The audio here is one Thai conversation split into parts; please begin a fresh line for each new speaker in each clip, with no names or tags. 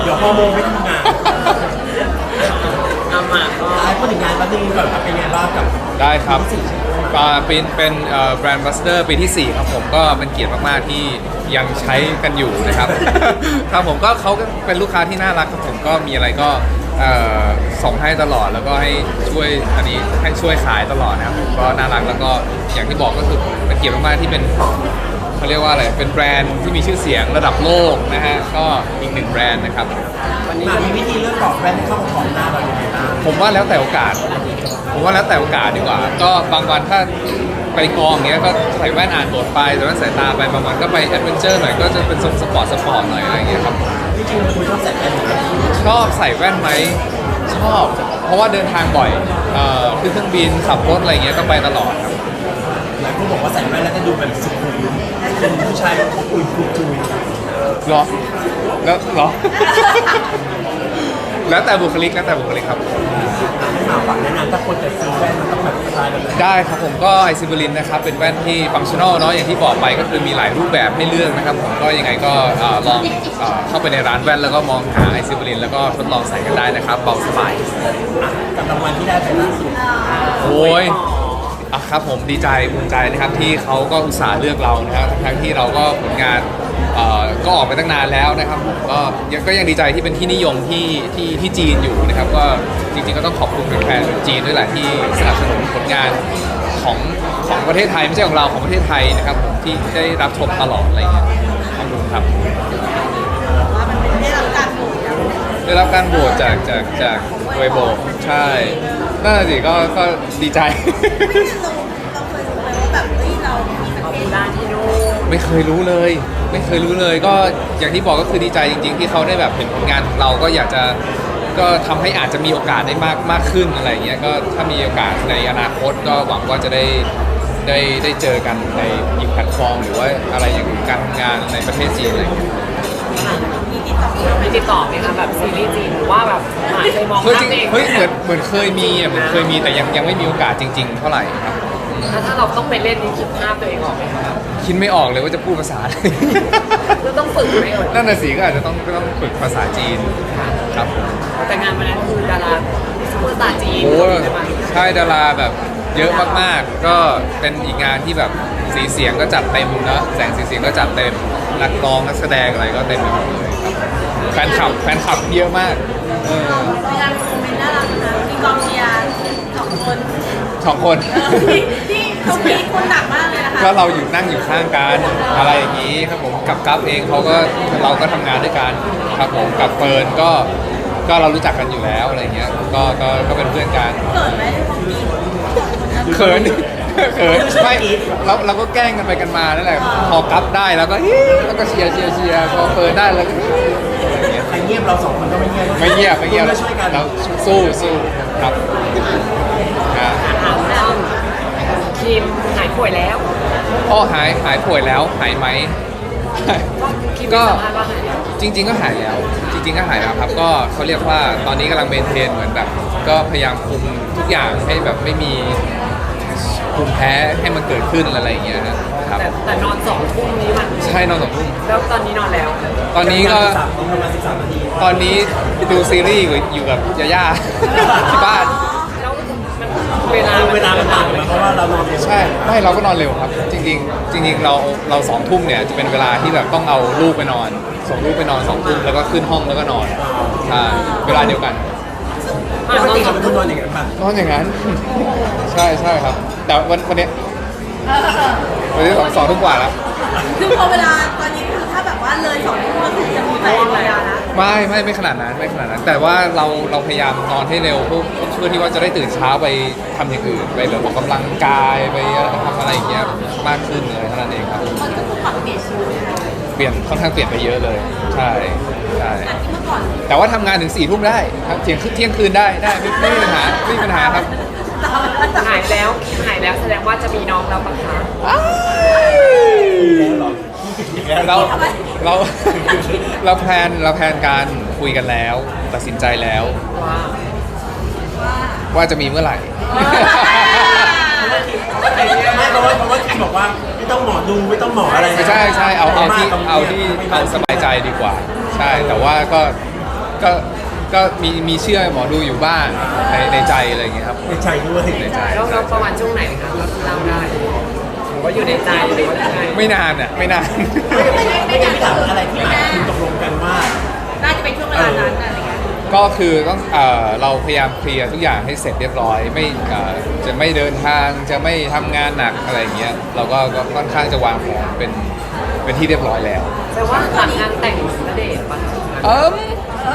เดี๋ยวฮอร์โมนไม่ทำงาน
เอามาก็
พูดถึงงานแป๊บนึงก่อนครับเป็นไงบ้างกับ
ได้ครับเป็นแบรนด์บัสเตอร์ปีที่ 4 ครับผมก็เป็นเกียรติมากๆที่ยังใช้กันอยู่นะครับ ครับผมก็เขาก็เป็นลูกค้าที่น่ารักครับผมก็มีอะไรก็ส่งให้ตลอดแล้วก็ให้ช่วยอันนี้ให้ช่วยขายตลอดนะครับผมก็น่ารักแล้วก็อย่างที่บอกก็คือเป็นเกียรติมากๆที่เป็นเขาเรียกว่าอะไรเป็นแบรนด์ที่มีชื่อเสียงระดับโลกนะฮะก็อีก1แบรนด์นะครับ
วันนี้มีวิธีเลือกกรอบแว่นให้เข้ากับกรอบหน้าเราอย่างไรบ้าง
ผมว่าแล้วแต่โอกาสดีกว่าก็บางวันถ้าไปกองเงี้ยก็ใส่แว่นอ่านบทไปแต่ว่าสายตาไปบางวันก็ไปแอดเวนเจอร์หน่อยก็จะเป็นทรงสปอร์ตหน่อยอะไรเงี้ยครับ
จริงๆคุณชอบใส่แว่นไหม
ชอบใส่แว่นไหมชอบเพราะว่าเดินทางบ่อยขึ้นเครื่องบินขับรถอะไรเงี้ยก็ไปตลอดครับ
หลายคนบอกว่าใส่แว่นแล้วจะดูแบบสุขุมเป็นผู้ชายอุ่นจุย
หรอแล้วหรอ แล้วแต่บุคลิกครับ
ให้มาฝากแนะนำถ้าคนจะซื้อแว่นมันต้องแบบสไตล์แบบไหน
ได้ครับผมก็ไอซิเบลินนะครับเป็นแว่นที่ฟังชั่นอลเนาะอย่างที่บอกไปก็คือมีหลายรูปแบบให้เลือกนะครับผมก็ยังไงก็ลองเข้าไปในร้านแว่นแล้วก็มองหาไอซิเบลินแล้วก็ทดลองใส่กันได้นะครับเบาสบาย
กับรางวัลที่ได้ไปล่าสุด
โอ้ยครับผมดีใจภูมิใจนะครับที่เขาก็อุตส่าห์เลือกเรานะครับทั้งที่เราก็ผลงานก็ออกไปตั้งนานแล้วนะครับผมก็ยังดีใจที่เป็นที่นิยมที่จีนอยู่นะครับก็จริงๆก็ต้องขอบคุณแฟนๆจีนด้วยแหละที่สนับสนุนผลงานของประเทศไทยไม่ใช่ของเราของประเทศไทยนะครับผมที่ได้รับชมตลอดอะไรอย่างเงี้ยขอบคุณครับ
ว่ามันเป็นได้รับการโหวต
จากเวโบใช่น่าสิก็ดีใจ
เราเคยรู้ไหมว่าแบบเรามีประเทศด้านที่นู่น
ไม่เคยรู้เลยก็อย่างที่บอกก็คือดีใจจริงๆที่เขาได้แบบเห็นผลงานของเราก็อยากจะก็ทำให้อาจจะมีโอกาสได้มากขึ้นอะไรเงี้ยก็ถ้ามีโอกาสในอนาคตก็หวังว่าจะได้เจอกันในอีกแพลตฟอร์มหรือว่าอะไรอย่างการทำงานในประเทศจีนอะไรเงี้ย
มีติดต่อไหมคะแบบซีรีส์จีนหรือว่าแบบเคยมองภาพเอง
เหมือนเคยมีแต่ยังไม่มีโอกาสจริงๆเท่าไหร่ครับ
ถ้าเราต้องไปเล่นนี่คิดภาพตัวเองออกไหมคะ
คิดไม่ออกเลยว่าจะพูดภาษาอะไร
ก็ต้องฝึกไหม
นั่นน่ะสิก็อาจจะต้องฝึกภาษาจีนครับ
แต่งานวันนั้นคือดาราซูเปอร์สตาร์จีน
ใช่ดาราแบบเยอะมากๆก็เป็นอีกงานที่แบบสีเสียงก็จัดเต็มเนอะแสงสีเสียงก็จัดเต็มนักร้องนักแสดงอะไรก็เต็มไปหมดเลยครับแฟนคลับเยอะมาก
มีการคอมเมนต์น่ารักนะมีกองเชียร์2 คนที่เขาพีคคุณหนักมากเลยนะคะ
ก็เรานั่งอยู่ข้างกันอะไรอย่างนี้ครับผมกับกัฟเองเราก็ทำงานด้วยกันครับผมกับเฟิร์นก็เรารู้จักกันอยู่แล้วอะไรเงี้ยก็เป็นเพื่อนกัน
เกิดไหมของพี
เขินไม่เราก็แกล้งกันไปกันมานั่นแหละพอกัฟได้แล้วก็เชียร์พอเฟิร์นได้แล้วก็
ใครเงียบเรา2 คนก็ไม่เงียบ
เรา
ช่วยกัน
เราสู้ครับ
ทีมหายป่วยแล้ว
หายป่วยแล้วหายไหมก็จริงๆก็หายแล้วครับก็เขาเรียกว่าตอนนี้กำลังเมนเทนเหมือนแบบก็พยายามคุมทุกอย่างให้แบบไม่มีภูมิแพ้ให้มันเกิดขึ้นอะไรอย่างเงี้ยครับ
แต่นอน2 ทุ่มนี้มัน
ใช่นอน2 ทุ่ม
แล้วตอนนี้นอนแล้ว
ตอนนี้ก็
ประมาณ13 นาที
ตอนนี้ดูซีรีส์อยู่กับย่าที่บ้าน
เวลา
มันต่างกันเพราะว่าเรานอนเร็ว
ใช่ไม่เราก็นอนเร็วครับจริงเรา2 ทุ่มเนี่ยจะเป็นเวลาที่แบบต้องเอาลูกไปนอนส่งลูกไปนอน2 ทุ่มแล้วก็ขึ้นห้องแล้วก็นอนใช่เวลาเดียวกัน
ปกติเราเป็นคนนอนอย่างนั้นป่ะ
นอนอย่างนั้นใช่ครับแต่วันนี้2 ทุ่มกว่าแล้ว
คือพอเวลาตอนนี้คือถ้าแบบว่าเลย2 ทุ่มก็คือจะมีแต่เวลานะ
ไม่ขนาดนั้นแต่ว่าเราพยายามนอนให้เร็วเพื่อที่ว่าจะได้ตื่นเช้าไปทำอย่างอื่นไปแบบออกกำลังกายไปทำอะไรอย่างเงี้ยมากขึ้นเลยเท่านั้นเองครับ
มันก็คือปรับเปลี่ยนชีวิต
ค่อนข้างเปลี่ยนไปเยอะเลยใช่
จากที่เมื่อก่อน
แต่ว่าทำงานถึง4 ทุ่มได้ครับเที่ยงคืนได้ไม่มีปัญหาครับ
หายแล้วแสดงว่าจะมีน้องแล้วปะคะ
เราแพลนการคุยกันแล้วตัดสินใจแล้วว่าจะมีเมื่อไหร่
ไม่เพราะว่าคิมบอกว่าไม่ต้องหมอดูไม่ต้องหมออะไร
ใช่เอาที่สบายใจดีกว่าใช่แต่ว่าก็ก็มีเชื่อหมอดูอยู่บ้างในใจอะไรอย่างเงี้ยครับ
ในใจด้วย
ในใจ
แล้วประมาณช่วงไหนคะเล่าได้หรือว่าอยู่ในใจหรือว่ายังไง
ไม่นานอ่ะไม่นาน
ไม่ได้พี่ถามอะไรที่หมายคุณตกลงกันว่า
น่าจะเป็นช่วงเวลานั้นอะไรเงี้ย
ก็คือต้องเราพยายามเคลียร์ทุกอย่างให้เสร็จเรียบร้อยไม่จะไม่เดินทางจะไม่ทำงานหนักอะไรอย่างเงี้ยเราก็ค่อนข้างจะวางแผนเป็นที่เรียบร้อยแล้ว
แต่ว่าหลังงานแต่งณเดชน์ปะ
เอิม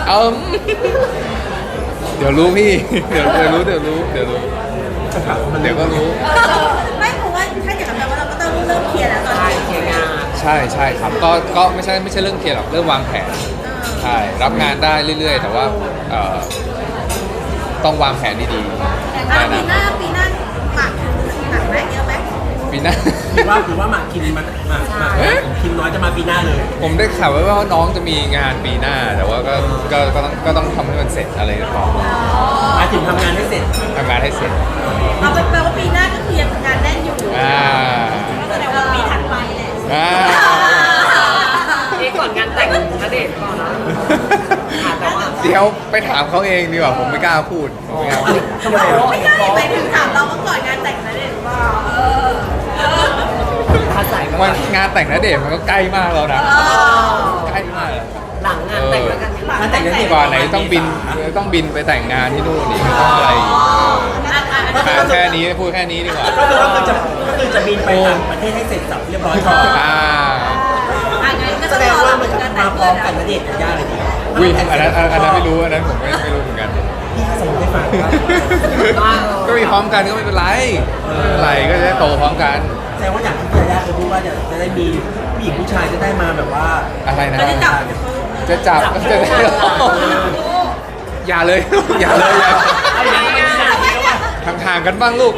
เดี๋ยวรู้พี่ เดี๋ยวรู้เดี๋ยวก็รู้
ไม่เพราะว่าถ้าอย่างนั้นแปลว่าเราก็ต้องเริ่มเคลียร์แล้วตอน
ใช่
นี้
เคลียร์งาน
ใช่ครับก็ไม่ใช่เรื่องเคลียร์หรอกเริ่มวางแผนใช่รับงานได้เรื่อยๆ แต่ว่าต้องวางแผนดีๆ
ปีหน้าหมากหนักไหมเยอะไหม
ปีหน้า
หรือว่าหมากคิมคิมน้อยจะมาปีหน้าเลย
ผมได้ข่าวไว้ว่าน้องจะมีงานปีหน้า แต่ว่าก็ต้องทำให้มันเสร็จอะไรก่อน
มาถึงทำงานให้เสร็จ
ทำงานให้เสร็จ
เอาเป็นแปลว่าปีหน้าก็คือยังงานแน่นอยู่
อ่า
ก็แสดงว่าปีถัดไปแหละ
อ่า
นี่ก่อนงานแต่งณเดชน์ก่อนนะค่ะแต่ว่า
เดี๋ยวไปถามเขาเองดีกว่าผมไม่กล้าพูดผมไม่กล้าพูด
ทำไมอ่ะ
ไม่ใช่ไปถึงถามเราว่าก่อนงานแต่งนะเด็กว่า
ภาษา
วันงานแต่งณเดชน์มันก็ใกล้มากแล้วนะใกล้มาก
หลังงานแต่งแล้วกัน
งานแต่งนั้น
กว่าไหนต้องบินไปแต่งงานที่นู่นอีกต้องอะไรอีกแค่นี้พูดแค่นี้ดีกว่า
ก็คือจะบินไปต่างประเทศให้เสร็จสับเรียบร้อยก่อน แสดงว่ามันจะมาพร้อมกันนะเด็กยากเลยดี
อุ้ยอันนั้นไม่รู้อันนั้นผมไม่รู้เหมือนกัน
พี่สมมติให้ฟังว่า
ก็มีพร้อมกันก็ไม่เป็นไรก็จะได้โตพร้อมกัน
แสดงว่าอย่างที่ยาย่าเคยพูดว่าจะได้มีผู้หญิงผู้ชายจะได้มาแบบว่า
อะไรนะ
จะจับ
จะจับจะได้อย่าเลยอย่าเลยห่างๆกันบ้างลูก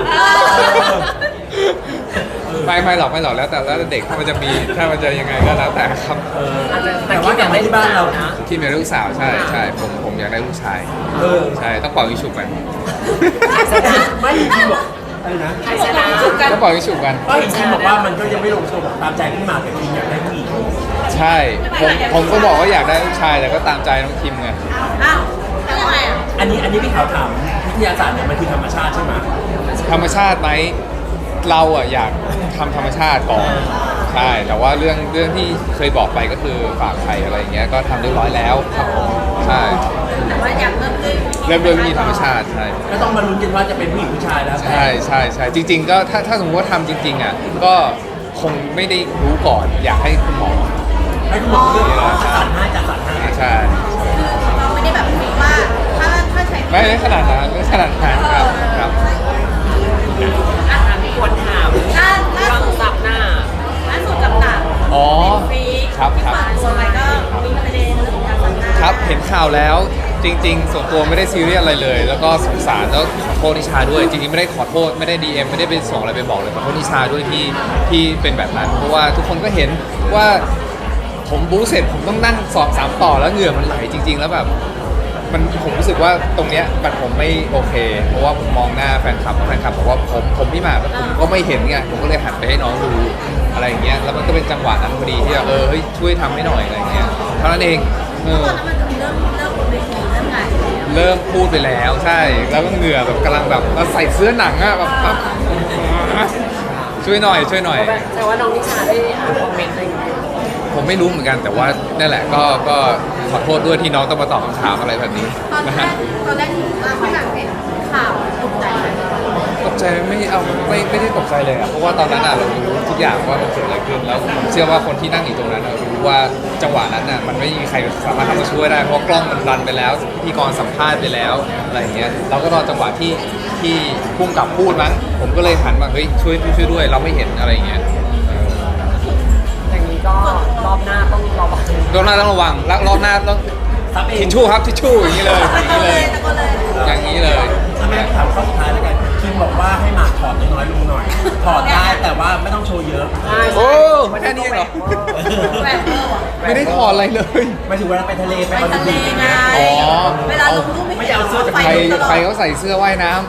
ไม่หรอกแล้วแต่เด็กถ้ามันจะยังไงก็แล้วแต่ครับ
แต่ว่าอย่างที่บ้านเรา
ที่มีลูกสาวใช่ผมอยากได้ลูกชายใช่ต้องเป่ายิงฉุบกัน
ไม่จริงบอกอะไรนะ
ใครชนะ
ต้องเป่ายิงฉุบกัน
ก็จริงบอกว่ามันก็ยังไม่ลงตัวตามใจพี่หมากแต่จริงอยากได้ผู้หญิง
ใช่ผมก็บอกว่าอยากได้ลูกชายแต่ก็ตามใจน้องคิมไง
อ้าวแล้วยังไงอ่ะ
อันนี้พี่ถามวิทยาศาสตร์เนี่ยมันคือธรรมชาติใช่ไหม
ธรรมชาติไหมเราอะอยากทำธรรมชาติก่อนใช่แต่ว่าเรื่องที่เคยบอกไปก็คือฝากไข่อะไรอย่างเงี้ยก็ทำเรียบร้อยแล้วครับผมใช่
แต่ว่าอยากเริ่มด้วย
เริ่มด้วยวิธีธรรมชาติใช่
ก็ต้องมาลุ้นกันว่าจะเป็นผู้หญิงผู้ชายแล้ว
ใช่จริง ๆ ก็ถ้าสมมติว่าทำจริงๆอะก็คงไม่ได้รู้ก่อนอยากให้คุณหมอ
ให้คุณหมอเลือกจัดสรรให้
ใช่
เราไม่ได้แบบคิดว่าถ้าใช้
ไม่ได้ขนาดนั้นครับ
อ่ะมีคนถามเรื่องซับหน้า
ล่าสุดกับหนัง
อ๋อ
ฟรี
ครับ
ที่ผ่านโซนไปก็มีประเด็นเรื่องของการสัมภาษณ์
ครับเห็นข่าวแล้วจริง ๆ ส่วนตัวไม่ได้ซีเรียสอะไรเลย แล้วก็สงสารแล้วขอโทษนิชาด้วย จริงๆไม่ได้ขอโทษไม่ได้ DM ไม่ได้ไปส่งอะไรไปบอกเลยขอโทษนิชาด้วยที่เป็นแบบนั้น เพราะว่าทุกคนก็เห็นว่าผมบู๊เสร็จผมต้องนั่ง2-3ต่อแล้วเหงื่อมันไหลจริง ๆ แล้วแบบผมรู้สึกว่าตรงเนี้ยผมไม่โอเค เพราะว่าผมมองหน้าแฟนคลับบอกว่าผมพี่หมากผมก็ไม่เห็นไงผมก็เลยหันไปให้น้องดูอะไรอย่างเงี้ยแล้วมันก็เป็นจังหวะนั้นพอดีที่เฮ้ยช่วยทำให้หน่อยอะไรอย่างเงี้ยเท่านั้นเอง
ตอนนั้นมันจะมีเริ่มบนเวทีเริ่มงานแล้ว
เริ่มพูดไปแล้วใช่แล้วก็เหงื่อแบบกำลังแบบเราใส่เสื้อหนังอะแบบช่วยหน่อย
แต่ว่าน้องนิชาได้อ่านคอมเมนต์อะไรอย่างเงี้ย
ผมไม่รู้เหมือนกันแต่ว่านั่นแหละก็ขอโทษด้วยที่น้องต้องมาตอบคำถามอะไรแบบนี้
ตอน
นะ
แร
ฮะ
กที่พี่หนังเห็นข่าวตกใจไหม
ตกใจไม่ได้ตกใจเลยอะเพราะว่าตอนนั้นอะเรารู้ทุกอย่างว่ามันเกิดอะไรขึ้นแล้วผมเชื่อว่าคนที่นั่งอยู่ตรงนั้นอะรู้ว่าจังหวะนั้นอะมันไม่มีใครสามารถเข้ามาช่วยได้เพราะกล้องมันรันไปแล้วพิธีกรสัมภาษณ์ไปแล้วอะไรอย่างเงี้ยเราก็รอจังหวะที่พุ่งกับพูดมั้งผมก็เลยหันมาเฮ้ยช่วยด้วยเราไม่เห็นอะไรอย่างเงี้ย
อย่างนี้ก็รอบหน้าต้องระวัง
รอบหน้าต้องระวังแล้วรอบหน้าต้อง
ซับเอ
ทิ
ง
ชชู่ครับทิชชู่อย่างนี้เลย
ตะโกนเลย
อย่างนี้เลย
ถ้าไม่ถามข้อสุดท้ายแล้วกันคิมบอกว่าให้หมากถอดน้อยๆลงหน่อย ถอดได้แต่ว่าไม่ต้องโชว์เยอะ
โอ้แค่นี้เองเหรอ
แหวนเบอร์ว่ะ
ไม่ได้ถอดอะไรเลย
หมายถึงเวลาไปทะเลไป
ไป
บอล
ทะเล
ลูน
ไง
อ๋อ
เวลาลงรูปไม่
ไม่ได้เอาเสื้อจาก
ใครเขาใส่เสื้อว่ายน้ำ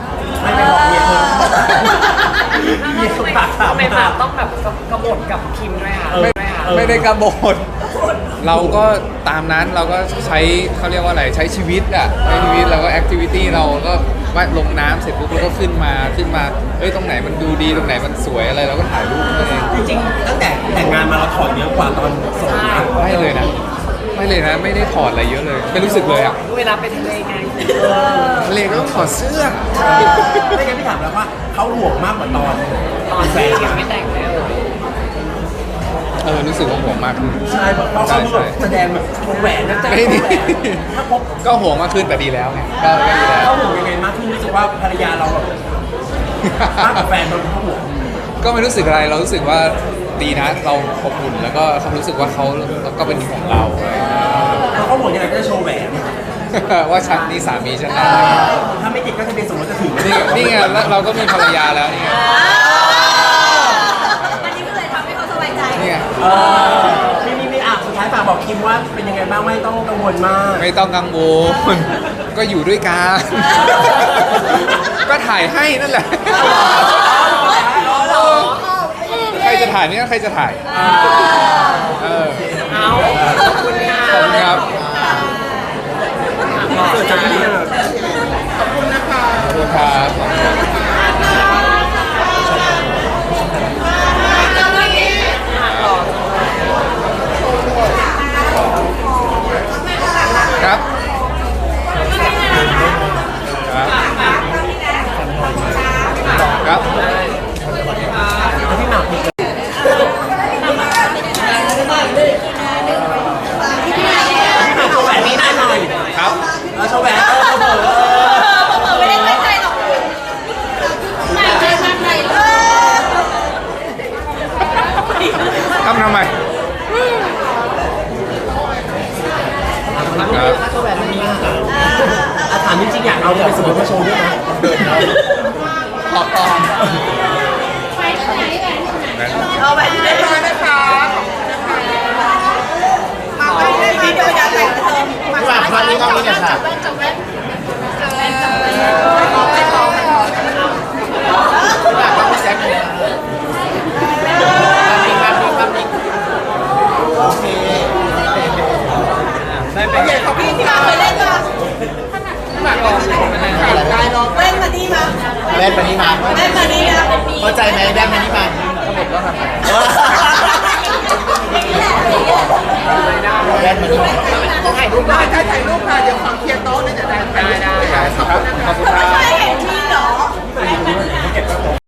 ไม่ไปบอกเมียเธอเมีย
ทำไม
ปากถาม
ทำไมปากต้องแบบกระบฏกับคิมด้วยค่ะ
ไม่ได้กระโบดเราก็ตามนั้นเราก็ใช้เขาเรียกว่าอะไรใช้ชีวิตอ่ะใช้ชีวิตเราก็แอคทิวิตี้เราก็ว่าลงน้ำเสร็จปุ๊บเราก็ขึ้นมาเอ้ยตรงไหนมันดูดีตรงไหนมันสวยอะไรเราก็ถ่ายรูปนั่นเอง
จริงๆตั้งแต่แต่งงานมาเราถอดเยอะกว่าตอนโสดนะ
ไม่เลยนะไม่ได้ถอดอะไรเยอะเลยไม่รู้สึกเลยอ่ะ
เวลาไปทะเลไง
ทะเลก็ต้องถอดเสื้อ
ไม่งั้นพี่ถามแล้วว่าเขาห่วงมากกว่าตอน
ตอนที่ยังไม่แต่งเลย
รู้สึกว่าห่วงมากขึ้น
ใช่เพราะเขาแบบแสดงแบบวงแหวนนะจ๊ะ
ไม่ดี
ถ้าพบ
ก็ห่วงมากขึ้นแต่ดีแล้วไงก็ดีแล้ว
เขาห่วงยังไงมากที่รู้สึกว่าภรรยาเราแบบมากกว่าแฟนเราเขาห่วง
ก็ไม่รู้สึกอะไรเรารู้สึกว่าดีนะเราอบอุ่นแล้วก็เขารู้สึกว่าเขาก็เป็นของเรา
แล้วเขาห่วงยังไงก็จะโชว์แหวน
ว่าฉันนี่สามีฉันนะ
ถ้าไม่ติดก็ทะเบียนสมรสจะถึง
นี่ไงแล้วเราก็มีภรรยาแล้วนี่ไง
อันนี้ก็เลยทำให้เขาสบายใจ
นี่ไง
มีอ่ะสุดท้ายฝากบอกคิมว่าเป็นยังไงบ้างไม่ต้องกังวลมาก
ไม่ต้องกังวลก็อยู่ด้วยกันก็ถ่ายให้นั่นแหละใครจะถ่ายนี่ก็ใครจะถ่ายเออ
เอาขอบคุณค่ะ
ขอบคุณครับ
เกิดจากที่นี่
ขอบคุณครับครับครับ
พี่หมากพี่โชว์แหวนนี้ได้หน่อย
ครับ
โชว์แหวน
เปิดไม่ได้ตั้งใจหรอกไม่ได้ตั้งใจเลย
ทำไมครับ
โชว์แหวนนี้ถามจริงๆอยากเอาไปสมมติมาโชว์ด้วยนะ
ขอบคุณ
เอาแบบนี้ได้เลยนะคะมาไปได้ไหมเดี๋ยวอยากแต่งเติมมาไปตอนนี้ต้องนี่ค่ะจบแว่นพี่ที่มาเคยเล่นป่ะได้ลองเล่นมานี่มา
เล่นมานี่มา
เล่นมานี่นะ
เข้าใจไหมเล่นมานี่มาเล่นมานี่มา
ถ่ายรูปได้
ถ่ายรูปค่ะเดี๋ยวขอ